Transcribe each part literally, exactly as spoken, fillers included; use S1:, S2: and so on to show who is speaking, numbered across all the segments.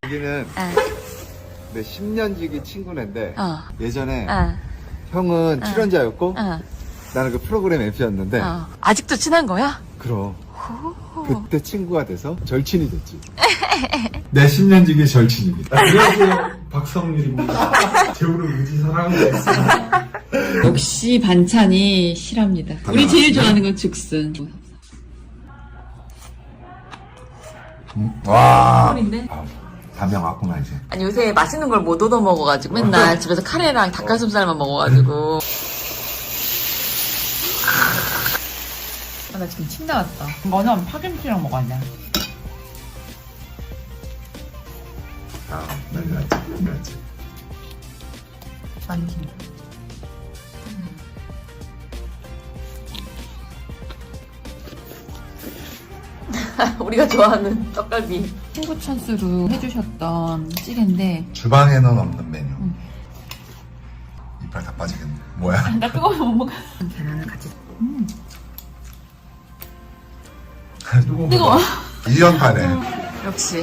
S1: 여기는
S2: 어.
S1: 내 십 년 지기 친구인데
S2: 어.
S1: 예전에
S2: 어.
S1: 형은 출연자였고
S2: 어.
S1: 나는 그 프로그램 엠씨였는데
S2: 어. 아직도 친한 거야?
S1: 그럼 그때 친구가 돼서 절친이 됐지. 내 십 년 지기 절친입니다.
S3: 안녕하세요, 박성률입니다. 제우를 의지 사랑하고 있습니다.
S4: 역시 반찬이 실합니다. 우리 제일 좋아하는 건 죽순.
S1: 음, 와.
S4: 꿀인데?
S1: 아, 담양 왔구나 이제.
S2: 아니 요새 맛있는 걸 못 얻어 먹어가지고 맨날 집에서 카레랑 닭가슴살만 먹어가지고.
S4: 아, 나 지금 침 나왔다. 이거는 파김치랑 먹었냐?
S1: 아, 난리 났지, 난리 났지.
S4: 많이 김.
S2: 우리가 좋아하는 떡갈비.
S4: 친구 찬스로 해주셨던 찌개인데
S1: 주방에는 없는 메뉴. 이빨 다 빠지겠네. 뭐야?
S4: 나 그거 못 먹어. 계란을 같이. 음. 뜨거워.
S1: 일 년 반에.
S2: 역시.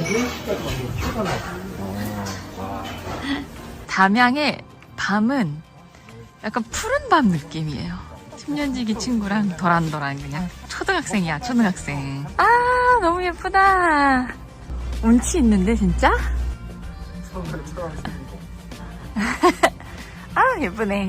S2: 담양의 밤은 약간 푸른 밤 느낌이에요. 십 년 지기 친구랑 도란도란 그냥 초등학생이야, 초등학생. 아, 너무 예쁘다. 운치 있는데, 진짜? 아, 예쁘네.